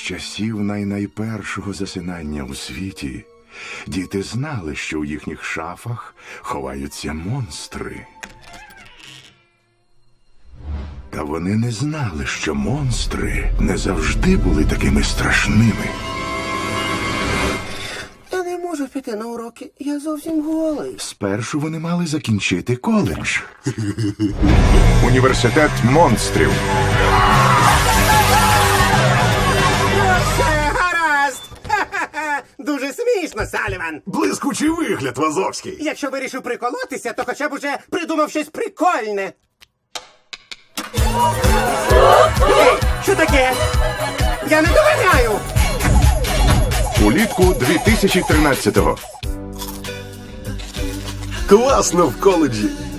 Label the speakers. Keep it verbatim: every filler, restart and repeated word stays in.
Speaker 1: часів найнайпершого засинання у світі діти знали, що у їхніх шафах ховаються монстри. Та вони не знали, що монстри не завжди були такими страшними.
Speaker 2: Я не можу піти на уроки, я зовсім голий.
Speaker 1: Спершу вони мали закінчити коледж. Університет монстрів.
Speaker 2: Все гаразд! Ха-ха-ха! Дуже смішно, Саліван.
Speaker 3: Блискучий вигляд, Вазовський.
Speaker 2: Якщо вирішив приколотися, то хоча б уже придумав щось прикольне. Ей, що таке? Я не доганяю!
Speaker 1: Улітку дві тисячі тринадцятого.
Speaker 3: Класно в коледжі.